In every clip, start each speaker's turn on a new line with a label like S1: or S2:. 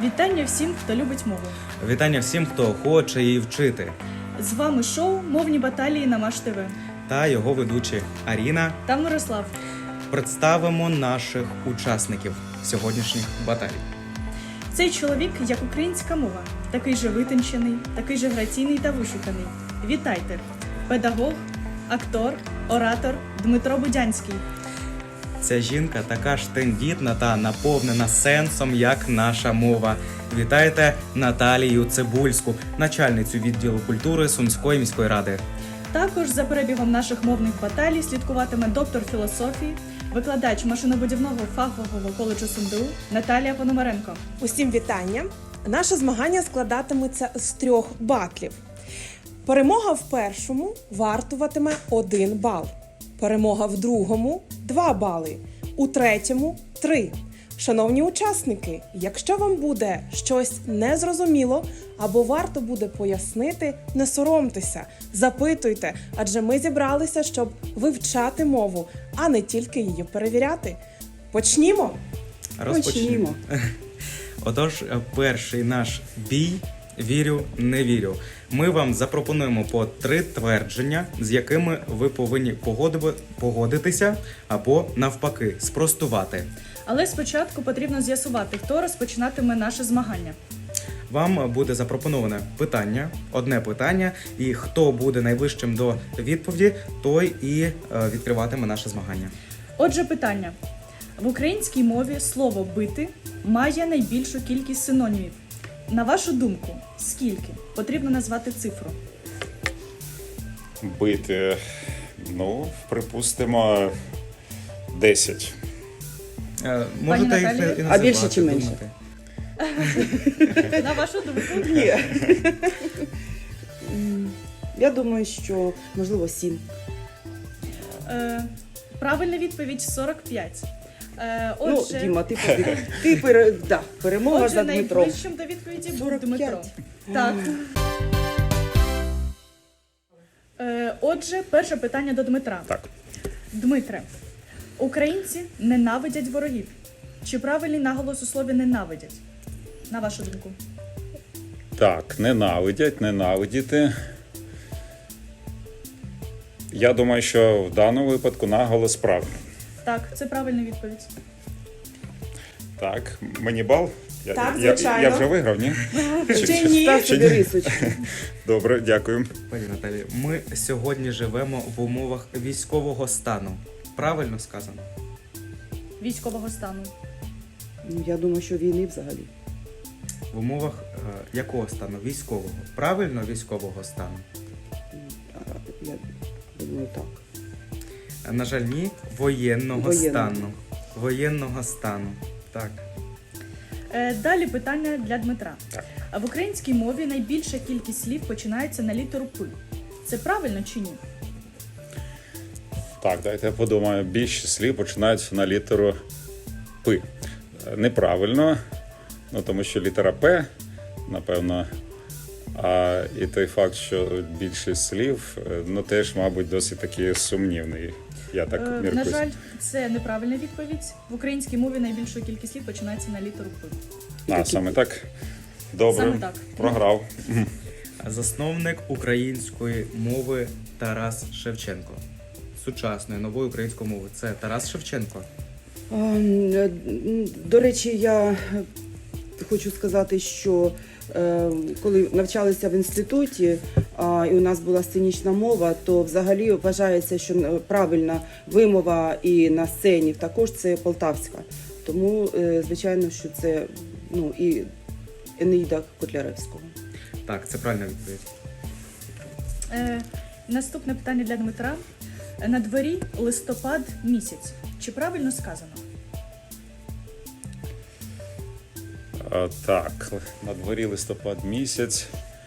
S1: Вітання всім, хто любить мову.
S2: Вітання всім, хто хоче її вчити.
S1: З вами шоу «Мовні баталії» на Маш ТВ.
S2: Та його ведучі Аріна.
S1: Та Мирослав.
S2: Представимо наших учасників сьогоднішніх баталій.
S1: Цей чоловік, як українська мова, такий же витончений, такий же граційний та вишуканий. Вітайте! Педагог, актор, оратор Дмитро Будянський.
S2: Ця жінка така ж тендітна та наповнена сенсом, як наша мова. Вітайте Наталію Цибульську, начальницю відділу культури Сумської міської ради.
S1: Також за перебігом наших мовних баталій слідкуватиме доктор філософії, викладач машинобудівного фахового коледжу СумДУ Наталія Пономаренко.
S3: Усім вітання! Наше змагання складатиметься з 3 батлів. Перемога в першому вартуватиме 1 бал. Перемога в другому – 2 бали. У третьому – 3. Шановні учасники, якщо вам буде щось незрозуміло або варто буде пояснити, не соромтеся, запитуйте, адже ми зібралися, щоб вивчати мову, а не тільки її перевіряти. Почнімо!
S2: Розпочнімо. Отож, перший наш бій «Вірю, не вірю». Ми вам запропонуємо по 3 твердження, з якими ви повинні погодитися або, навпаки, спростувати.
S1: Але спочатку потрібно з'ясувати, хто розпочинатиме наше змагання.
S2: Вам буде запропоноване питання, одне питання, і хто буде найближчим до відповіді, той і відкриватиме наше змагання.
S1: Отже, питання. В українській мові слово «бити» має найбільшу кількість синонімів. На вашу думку, скільки? Потрібно назвати цифру.
S4: Бити, припустимо, 10.
S2: Можете їх
S1: Наталія?
S2: і називати.
S5: А більше чи менше?
S2: думати.
S1: На вашу думку?
S5: Ні. Я думаю, що, можливо, 7.
S1: Правильна відповідь – 45.
S5: Ну, Діма, перемога
S1: Отже,
S5: за Дмитром.
S1: найближчим до відповіді був
S5: 45.
S1: Дмитро. Так. Отже, перше питання до Дмитра.
S4: Так.
S1: Дмитре, українці ненавидять ворогів. Чи правильний наголос у слові «ненавидять»? На вашу думку.
S4: Так, ненавидіти. Я думаю, що в даному випадку наголос правильний.
S1: Так, це правильна відповідь.
S4: Так, мені бал?
S3: Так,
S4: Я
S3: звичайно.
S4: вже виграв, ні?
S3: Чи ні?
S5: Став собі рисочку.
S4: Добре, дякую.
S2: Пані Наталі, ми сьогодні живемо в умовах військового стану. Правильно сказано?
S1: Військового стану.
S5: Ну, я думаю, що війни взагалі.
S2: В умовах якого стану? Військового. Правильно, військового стану?
S5: Я думаю, так.
S2: На жаль, ні. Воєнного
S5: Воєнного.
S2: стану. Воєнного стану. Так.
S1: Далі питання для Дмитра.
S4: Так.
S1: А в українській мові найбільша кількість слів починається на літеру «п». Це правильно чи ні?
S4: Так, дайте я подумаю. Більше слів починаються на літеру П. Неправильно, тому що літера П, напевно, і той факт, що більшість слів, теж, мабуть, досить таки сумнівний. Я так міркую.
S1: На жаль, це неправильна відповідь. В українській мові найбільша кількість слів починається на літеру «п».
S4: Саме так? Добре,
S1: Саме так.
S4: програв.
S2: Засновник української мови Тарас Шевченко. Сучасної нової української мови. Це Тарас Шевченко.
S5: До речі, я хочу сказати, що коли навчалися в інституті, і у нас була сценічна мова, то взагалі вважається, що правильна вимова і на сцені також це полтавська. Тому, звичайно, що це і Енеїда Котляревського.
S2: Так, це правильна відповідь.
S1: Наступне питання для Дмитра. На дворі листопад місяць. Чи правильно сказано?
S4: Так, на дворі листопад місяць.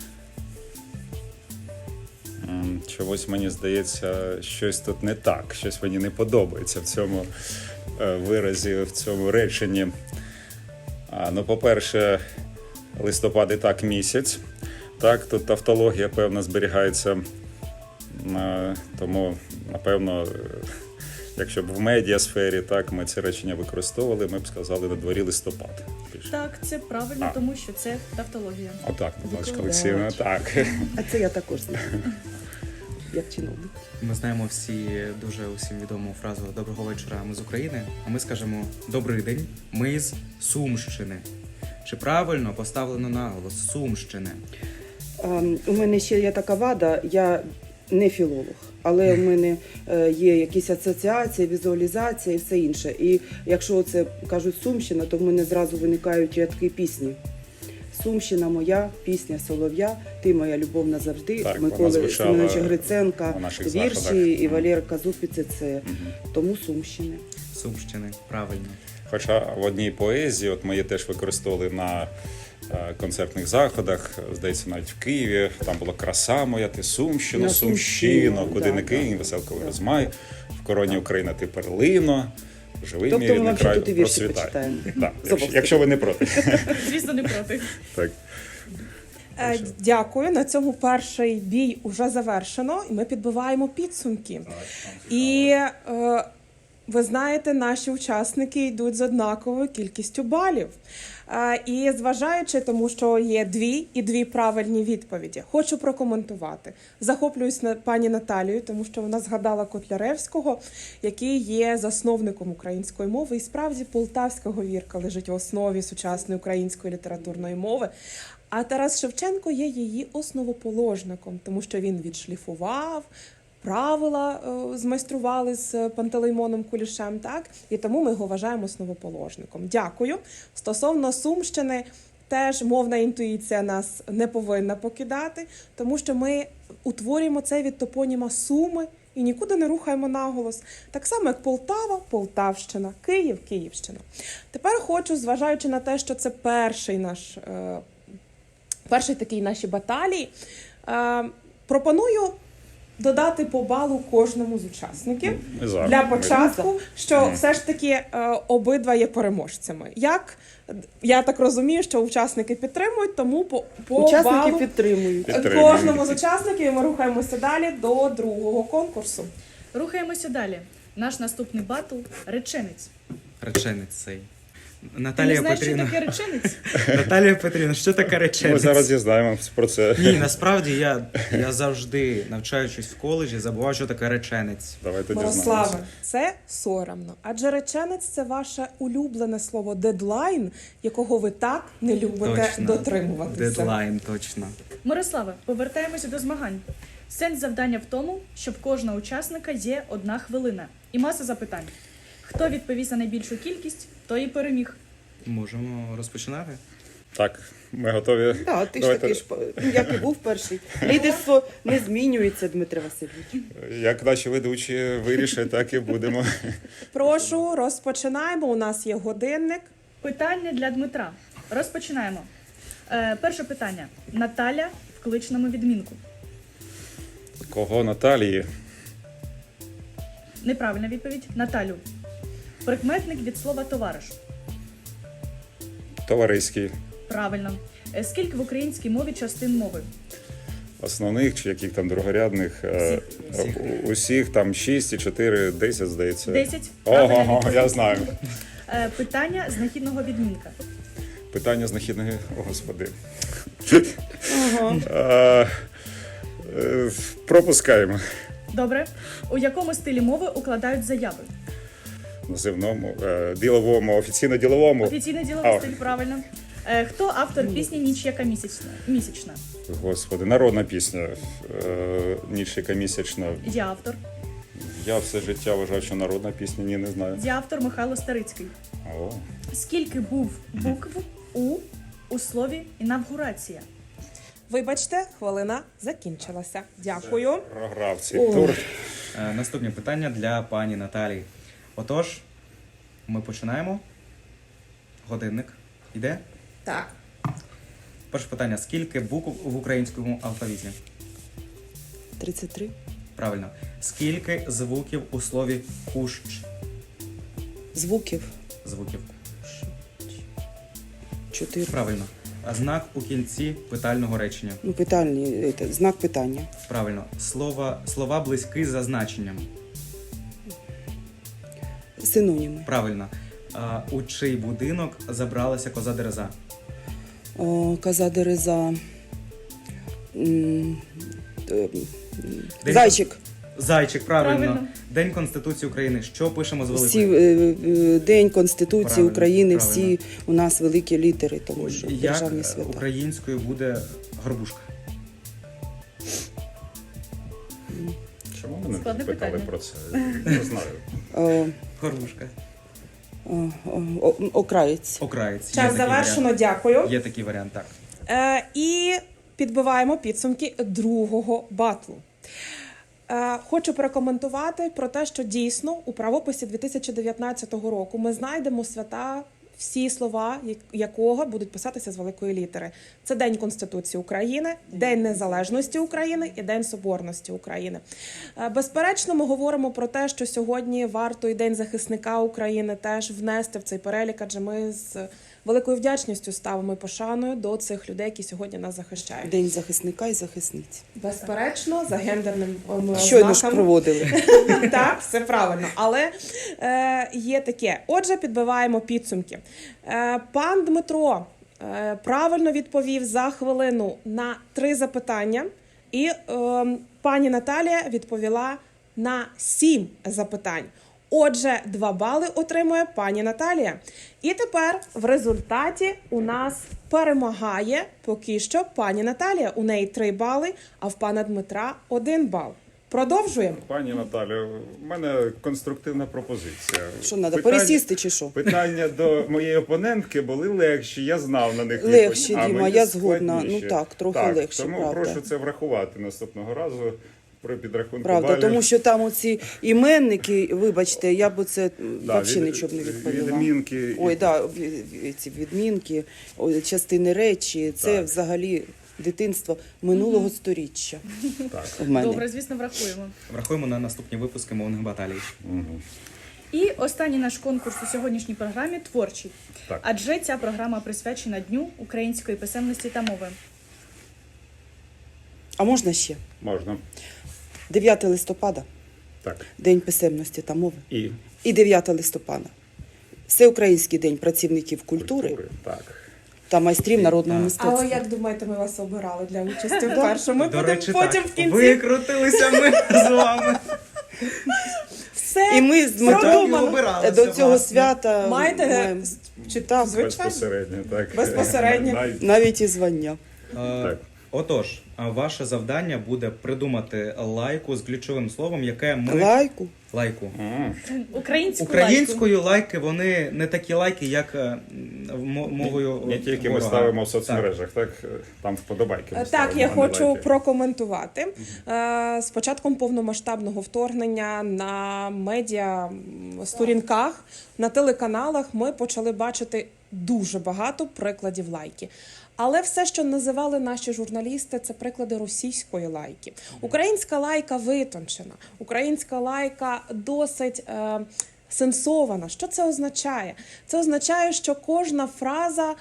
S4: Чогось мені здається, щось тут не так, щось мені не подобається в цьому виразі, в цьому реченні. По-перше, листопад і так місяць. Так, тут тавтологія, певно, зберігається, тому, напевно, якщо б в медіасфері так ми ці речення використовували, ми б сказали на дворі листопад. Більше.
S1: Так, це правильно,
S4: А.
S1: тому що це тавтологія.
S4: Отак, Наталочка
S5: Викладач.
S4: Олексіївна, так.
S5: А це я також знаю. Як чиновник.
S2: Ми знаємо всі дуже усім відому фразу «Доброго вечора, ми з України», а ми скажемо «Добрий день, ми з Сумщини». Чи правильно поставлено наголос Сумщини?
S5: У мене ще є така вада, я не філолог, але в мене є якісь асоціації, візуалізація і все інше. І якщо це кажуть Сумщина, то в мене зразу виникають рядки пісні. Сумщина моя, пісня Солов'я, ти моя любов назавжди,
S4: Так, вона
S5: Миколи
S4: звучала
S5: Семеновича Гриценка,
S4: на наших
S5: вірші
S4: заходах.
S5: і Валєра Казупіці це. Тому Сумщини.
S2: Сумщини, правильно.
S4: Хоча в одній поезії, от ми її теж використовували на концертних заходах, здається, навіть в Києві, там було «Краса моя, ти Сумщино,
S5: На
S4: Сумщино,
S5: Сумщину,
S4: куди
S5: да,
S4: не кинь,
S5: да.
S4: веселковий розмай, в короні Україна ти перлино, живий
S5: Тобто
S4: мій
S5: ми
S4: рідний
S5: взагалі
S4: край,
S5: тут і вірші
S4: процвітай».
S5: почитаємо.
S4: Так,
S5: Зобов'язково.
S4: якщо ви не проти.
S1: Звісно, не проти.
S4: Так.
S3: Дякую. На цьому перший бій уже завершено, і ми підбиваємо підсумки. І ви знаєте, наші учасники йдуть з однаковою кількістю балів. І зважаючи, тому що є дві правильні відповіді, хочу прокоментувати. Захоплююсь пані Наталією, тому що вона згадала Котляревського, який є засновником української мови. І справді полтавська говірка лежить в основі сучасної української літературної мови. А Тарас Шевченко є її основоположником, тому що він відшліфував, правила змайстрували з Пантелеймоном Кулішем, так? І тому ми його вважаємо основоположником. Дякую. Стосовно Сумщини, теж мовна інтуїція нас не повинна покидати, тому що ми утворюємо це від топоніма Суми і нікуди не рухаємо наголос. Так само, як Полтава, Полтавщина, Київ, Київщина. Тепер хочу, зважаючи на те, що це перший такий наші баталії, пропоную додати по балу кожному з учасників
S4: Ми за.
S3: для
S4: Ми
S3: початку, що все ж таки обидва є переможцями. Як я так розумію, що учасники підтримують, тому по
S5: Учасники
S3: балу
S5: підтримують.
S4: Підтримуємо.
S3: кожному з учасників і ми рухаємося далі до другого конкурсу.
S1: Рухаємося далі. Наш наступний батл – реченець.
S2: Реченець цей.
S1: Ти не
S2: Наталія
S1: знаєш, що
S2: Петрівна.
S1: таке реченець?
S2: Наталія Петрівна, що таке
S4: Ми
S2: реченець?
S4: зараз дізнаємося про це.
S2: Ні, насправді я завжди, навчаючись в коледжі, забував, що таке реченець.
S4: Давайте
S3: Мирославе,
S4: дізнаємося.
S3: це соромно. Адже реченець – це ваше улюблене слово дедлайн, якого ви так не любите
S2: Точно.
S3: дотримуватися.
S2: Дедлайн, точно.
S1: Мирославе, повертаємося до змагань. Сенс завдання в тому, що в кожного учасника є 1 хвилина і маса запитань. Хто відповість на найбільшу кількість, той і переміг.
S2: Можемо розпочинати?
S4: Так, ми готові.
S5: Так, ти ж
S4: Давайте.
S5: такий ж, як і був перший. Лідерство не змінюється, Дмитре Васильович.
S4: Як наші ведучі вирішать, так і будемо.
S3: Прошу, розпочинаємо. У нас є годинник.
S1: Питання для Дмитра. Розпочинаємо. Перше питання. Наталя в кличному відмінку.
S4: Кого Наталії?
S1: Неправильна відповідь. Наталю. Прикметник від слова товариш.
S4: Товариський.
S1: Правильно. Скільки в українській мові частин мови?
S4: Основних чи яких там другорядних?
S2: Всіх.
S4: Усіх там 6 і 4, 10, здається.
S1: 10. Правильна
S4: Ого,
S1: відповідь.
S4: я знаю.
S1: Питання знахідного відмінка.
S4: Питання знахідної. О, Господи.
S5: Ага.
S4: Пропускаємо.
S1: Добре. У якому стилі мови укладають заяви?
S4: Називному, діловому, офіційно-діловому.
S1: Офіційний діловий
S4: А.
S1: стиль, правильно. Хто автор пісні «Ніч яка місячна»?
S4: Господи, народна пісня. Ніч яка місячна.
S1: Я автор.
S4: Я все життя вважав, що народна пісня, ні, не знаю.
S1: Я автор Михайло Старицький.
S4: О,
S1: Скільки був букв у слові інавгурація?
S3: Вибачте, хвилина закінчилася. Дякую.
S4: програв цей
S5: О.
S4: тур.
S2: Наступне питання для пані Наталії. Отож, ми починаємо. Годинник. Іде?
S3: Так.
S2: Перше питання. Скільки букв в українському алфавіті?
S5: 33.
S2: Правильно. Скільки звуків у слові кущ?
S5: Звуків.
S2: Звуків.
S5: 4.
S2: Правильно. А знак у кінці питального речення.
S5: Ну, питальні, знак питання.
S2: Правильно. Слова близькі за значенням.
S5: Синоніми.
S2: Правильно. У чий будинок забралася коза Дереза?
S5: Коза Дереза.
S2: День-
S5: Зайчик.
S2: Зайчик, правильно.
S1: Правильно.
S2: День Конституції України. Що пишемо з
S5: Всі,
S2: великої?
S5: День Конституції
S2: Правильно,
S5: України,
S2: правильно.
S5: всі у нас великі літери, тому що
S2: Як
S5: державні свята.
S2: українською буде горбушка?
S4: Чому мене
S1: Складне
S4: питали
S1: питання.
S4: про це? Не знаю.
S5: Е,
S2: Горбушка.
S5: Окраєць.
S2: Окраєць. Є
S3: Час
S2: такий
S3: завершено,
S2: варіант.
S3: дякую.
S2: Є такий варіант, так.
S3: І підбиваємо підсумки другого батлу. Хочу прокоментувати про те, що дійсно у правописі 2019 року ми знайдемо свята, всі слова якого будуть писатися з великої літери. Це День Конституції України, День Незалежності України і День Соборності України. Безперечно, ми говоримо про те, що сьогодні варто і День захисника України теж внести в цей перелік, адже ми з великою вдячністю ставимо і пошаною до цих людей, які сьогодні нас захищають.
S5: День захисника і захисниць.
S3: Безперечно, за гендерним
S5: Щойно ж
S3: знаком.
S5: проводили.
S3: Так, все правильно. Але є таке. Отже, підбиваємо підсумки. Пан Дмитро правильно відповів за хвилину на 3 запитання, і пані Наталія відповіла на 7 запитань. Отже, 2 бали отримує пані Наталія. І тепер в результаті у нас перемагає поки що пані Наталія. У неї 3 бали, а в пана Дмитра 1 бал. Продовжуємо.
S4: Пані Наталю, в мене конструктивна пропозиція.
S5: Що треба,
S4: Питання-
S5: пересісти чи що?
S4: Питання до моєї опонентки були легші, я знав на них
S5: Легші,
S4: відповідь, а
S5: Діма,
S4: мені
S5: я згодна.
S4: складніші.
S5: Ну так, трохи легші,
S4: тому
S5: правда.
S4: прошу це врахувати наступного разу при підрахунку
S5: Правда,
S4: балів.
S5: тому що там оці іменники, вибачте, я б оце
S4: Да,
S5: взагалі нічого б не відповіла.
S4: Відмінки.
S5: Ой, да, ці відмінки, частини речі, це
S4: Так.
S5: взагалі дитинство минулого сторіччя
S4: Так.
S5: в мене.
S1: Добре, звісно, врахуємо.
S2: Врахуємо на наступні випуски мовних баталій.
S4: Мгм.
S1: І останній наш конкурс у сьогоднішній програмі творчий.
S4: Так.
S1: Адже ця програма присвячена Дню української писемності та мови.
S5: А можна ще?
S4: Можна.
S5: 9 листопада,
S4: Так.
S5: День писемності та мови.
S4: І
S5: 9 листопада. Всеукраїнський день працівників культури
S4: Так.
S5: та майстрів народного
S2: Так.
S5: мистецтва.
S3: Але як думаєте, ми вас обирали для участі в першому?
S2: До речі,
S3: потім
S2: так.
S3: в кінці
S2: Викрутилися ми з вами.
S3: все
S5: І ми з Дмитром
S2: Продумано. обиралися,
S5: до цього
S2: власне.
S5: свята
S3: маєте
S5: маємо
S3: читав, звичайно.
S4: Безпосередньо, так.
S3: Безпосередньо.
S4: Навіть
S5: навіть і звання.
S2: Е, Отож, ваше завдання буде придумати лайку з ключовим словом, яке ми...
S5: Лайку.
S2: Лайку.
S1: Українською
S2: лайки, вони не такі лайки, як мовою
S4: Не тільки ми
S2: ворога.
S4: ставимо в
S2: Так.
S4: соцмережах, так? Там вподобайки. ми
S3: Так,
S4: ставимо,
S3: я
S4: а не
S3: хочу
S4: лайки.
S3: прокоментувати. З початком повномасштабного вторгнення на медіа сторінках, на телеканалах ми почали бачити дуже багато прикладів лайки. Але все, що називали наші журналісти, це приклади російської лайки. Українська лайка витончена, українська лайка досить сенсована. Що це означає? Це означає, що кожна фраза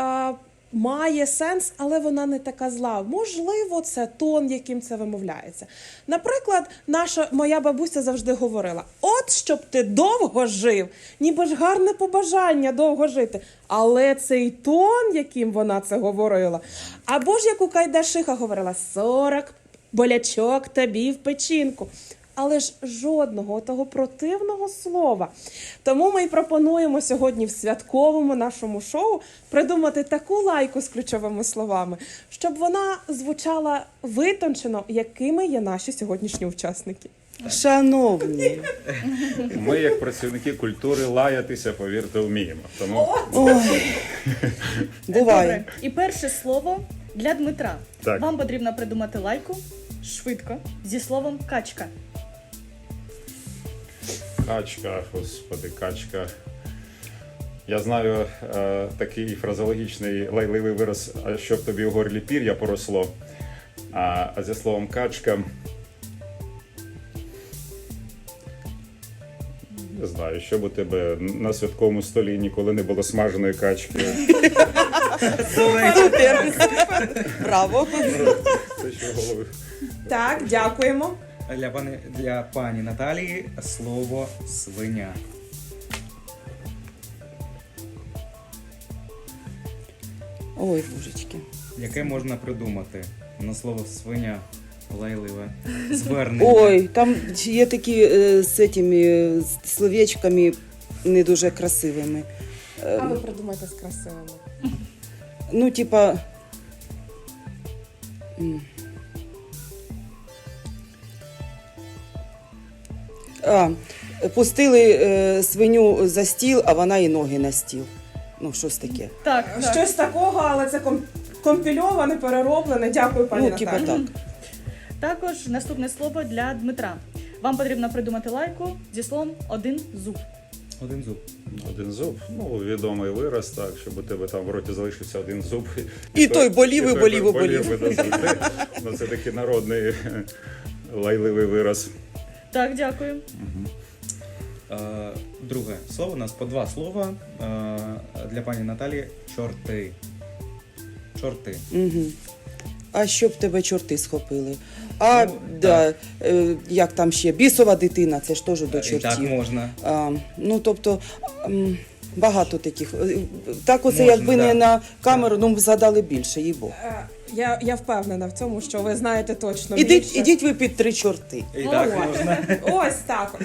S3: має сенс, але вона не така зла. Можливо, це тон, яким це вимовляється. Наприклад, моя бабуся завжди говорила: от щоб ти довго жив, ніби ж гарне побажання довго жити. Але цей тон, яким вона це говорила, або ж як у Кайдашиха говорила: 40 болячок тобі в печінку. Але ж жодного того противного слова. Тому ми й пропонуємо сьогодні в святковому нашому шоу придумати таку лайку з ключовими словами, щоб вона звучала витончено, якими є наші сьогоднішні учасники.
S5: Шановні,
S4: Ми, як працівники культури, лаятися, повірте, вміємо. Тому
S5: ой, буває.
S1: Добре. І перше слово для Дмитра.
S4: Так.
S1: Вам потрібно придумати лайку швидко зі словом качка.
S4: качка, господи, качка. Я знаю такий фразеологічний лайливий вираз, а щоб тобі у горлі пір'я поросло. А зі словом качка. Не знаю, що б у тебе на святковому столі ніколи не було смаженої качки.
S5: Супер. Браво.
S4: Це що в голові.
S3: Так, дякуємо.
S2: Для пані Наталії слово свиня.
S5: Ой, божечки.
S2: Яке можна придумати на слово свиня лайливе звернення?
S5: Ой, там є такі з цими словечками не дуже красивими.
S3: А ви придумайте з красивими.
S5: Ну, типа. Пустили свиню за стіл, а вона і ноги на стіл. Ну, щось таке.
S1: Так, так.
S3: Щось такого, але це компільоване, перероблене. Дякую, пані
S5: Ну, типа
S3: Наталі.
S5: так.
S1: Також наступне слово для Дмитра. Вам потрібно придумати лайку зі словом один зуб.
S2: Один зуб.
S4: Один зуб, ну відомий вираз, так, щоб у тебе там в роті залишився один зуб.
S5: І той болів, і болів, і болів.
S4: би назавжди. Ну, це такий народний лайливий вираз.
S1: Так, дякую.
S2: Друге слово у нас по два слова для пані Наталі. Чорти. Чорти.
S5: Угу. А щоб тебе чорти схопили? А,
S2: Ну,
S5: да, як там ще? Бісова дитина, це ж теж до
S2: І так
S5: чортів.
S2: можна.
S5: Ну, тобто, багато таких. Так оце,
S2: Можна,
S5: якби
S2: да.
S5: не на камеру, ну, згадали більше, їй Бог.
S3: Я впевнена в цьому, що ви знаєте точно більше.
S5: Ідіть ви під 3 чорти.
S2: І так
S3: Ой.
S2: можна.
S3: Ось так.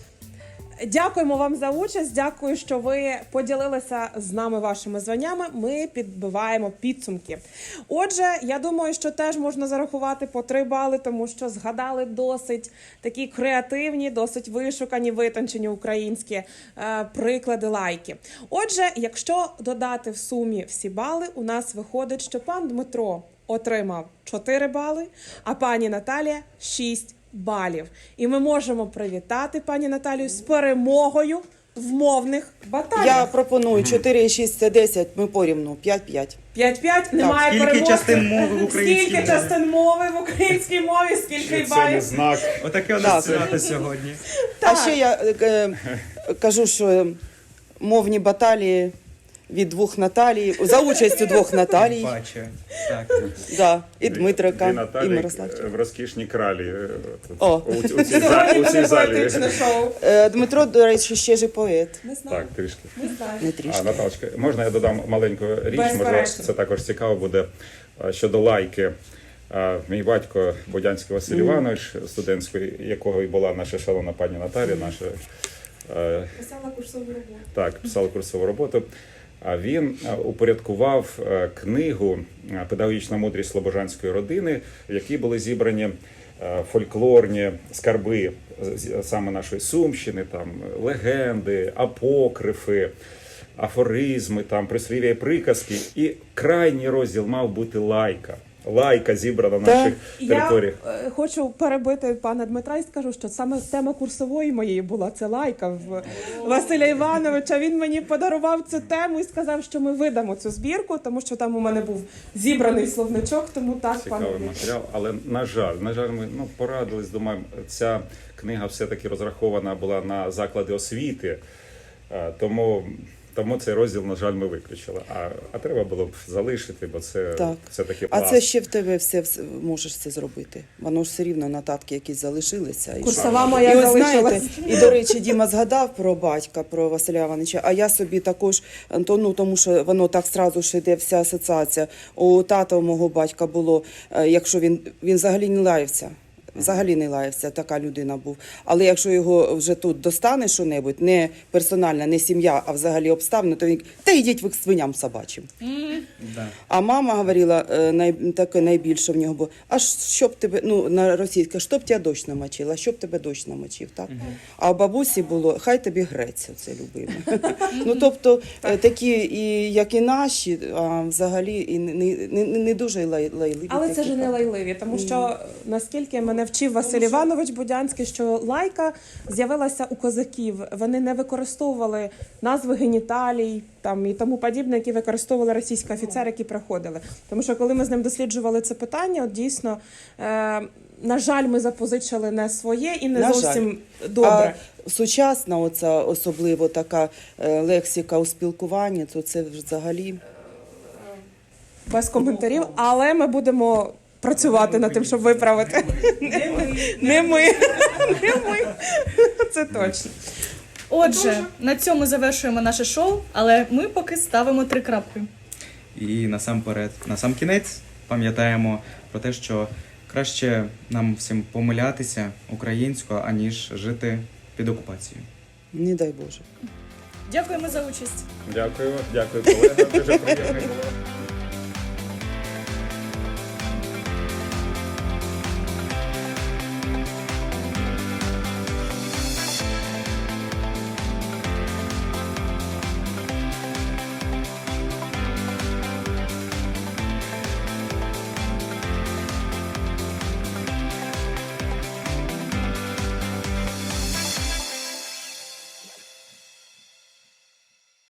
S3: Дякуємо вам за участь. Дякую, що ви поділилися з нами вашими званнями. Ми підбиваємо підсумки. Отже, я думаю, що теж можна зарахувати по 3 бали, тому що згадали досить такі креативні, досить вишукані, витончені українські приклади лайки. Отже, якщо додати в сумі всі бали, у нас виходить, що пан Дмитро отримав 4 бали, а пані Наталія 6 балів. І ми можемо привітати пані Наталію з перемогою в мовних баталіях.
S5: Я пропоную 4 і 6 – це 10, ми порівну, 5-5.
S3: 5-5, немає
S2: Скільки
S3: перемоги.
S2: частин мови в українській
S3: Скільки
S2: мові?
S3: частин мови в українській мові, скільки й
S4: Це не
S3: балів.
S4: знак.
S2: Отаке у
S5: Так.
S2: нас свято сьогодні.
S3: Так.
S5: А ще я кажу, що мовні баталії від 2 Наталій, за участю 2 Наталій,
S2: Бачу. Так.
S5: да, і
S4: Дві
S5: Дмитрика, і
S4: Наталі
S5: Мирославчика.
S4: в розкішній кралі.
S5: О.
S4: У цій
S3: Сьогодні
S4: у цій
S3: буде
S4: залі.
S3: поетичне шоу.
S5: Дмитро, до речі, ще ж і поет.
S3: Не знаю.
S4: Так, трішки.
S3: Не знаю.
S5: Не трішки.
S4: А, Наталочка, можна я додам маленьку річ? Може,
S3: Безперечно.
S4: це також цікаво буде щодо лайки. Мій батько Бодянський Василь Іванович, студентський, якого і була наша шалена пані Наталя, наша
S3: Писала курсову роботу.
S4: так, писала курсову роботу. А він упорядкував книгу «Педагогічна мудрість слобожанської родини», в якій були зібрані фольклорні скарби саме нашої Сумщини, там легенди, апокрифи, афоризми, там прислів'я і приказки. І крайній розділ мав бути лайка. Лайка зібрана на наших територіях.
S3: Я хочу перебити пана Дмитра і скажу, що саме тема курсової моєї була це лайка в Василя Івановича. Він мені подарував цю тему і сказав, що ми видамо цю збірку, тому що там у мене був зібраний словничок, тому так, пане
S4: Цікавий
S3: Дмитро.
S4: матеріал, але на жаль, ми порадились, думаємо, ця книга все-таки розрахована була на заклади освіти, тому цей розділ, на жаль, ми виключили. А треба було б залишити, бо це
S5: Так.
S4: все-таки
S5: А
S4: пласт.
S5: це ще в тебе все можеш це зробити. Воно ж все рівно нотатки якісь залишилися. І
S3: Курсова
S5: і
S3: моя
S5: от
S3: залишилась.
S5: знаєте, і до речі, Діма згадав про батька, про Василя Івановича, а я собі також, тому що воно так зразу ж йде вся асоціація. У тата у мого батька було, якщо він взагалі не лаявся. Взагалі не лаявся, така людина був. Але якщо його вже тут достане що-небудь, не персональна, не сім'я, а взагалі обставини, то він та йдіть ви к свиням собачим.
S2: Да.
S5: А мама говорила, таке найбільше в нього було, а щоб тебе, на російське, щоб тебе дощ намочив, а щоб тебе дощ намочив, так? А у бабусі було, хай тобі грець, оце любиме. Тобто, такі, як і наші, а взагалі і не дуже лайливі.
S3: Але це
S5: такі,
S3: ж не
S5: так.
S3: лайливі, тому що наскільки мене вчив Василь Іванович Бодянський, що лайка з'явилася у козаків. Вони не використовували назви геніталій там і тому подібне, які використовували російські офіцери, які приходили. Тому що коли ми з ним досліджували це питання, от дійсно, на жаль, ми запозичили не своє і не
S5: На
S3: зовсім добре.
S5: А сучасна оця особливо така лексика у спілкуванні, то це взагалі...
S3: Без коментарів, але ми будемо працювати над тим, щоб виправити. Не ми. Це точно.
S1: Отже, на цьому завершуємо наше шоу, але ми поки ставимо 3 крапки.
S2: І насамперед, на сам кінець пам'ятаємо про те, що краще нам всім помилятися українською, аніж жити під окупацією.
S5: Не дай Боже.
S1: Дякуємо за участь.
S4: Дякую, дякую, колега. Дуже приємно було.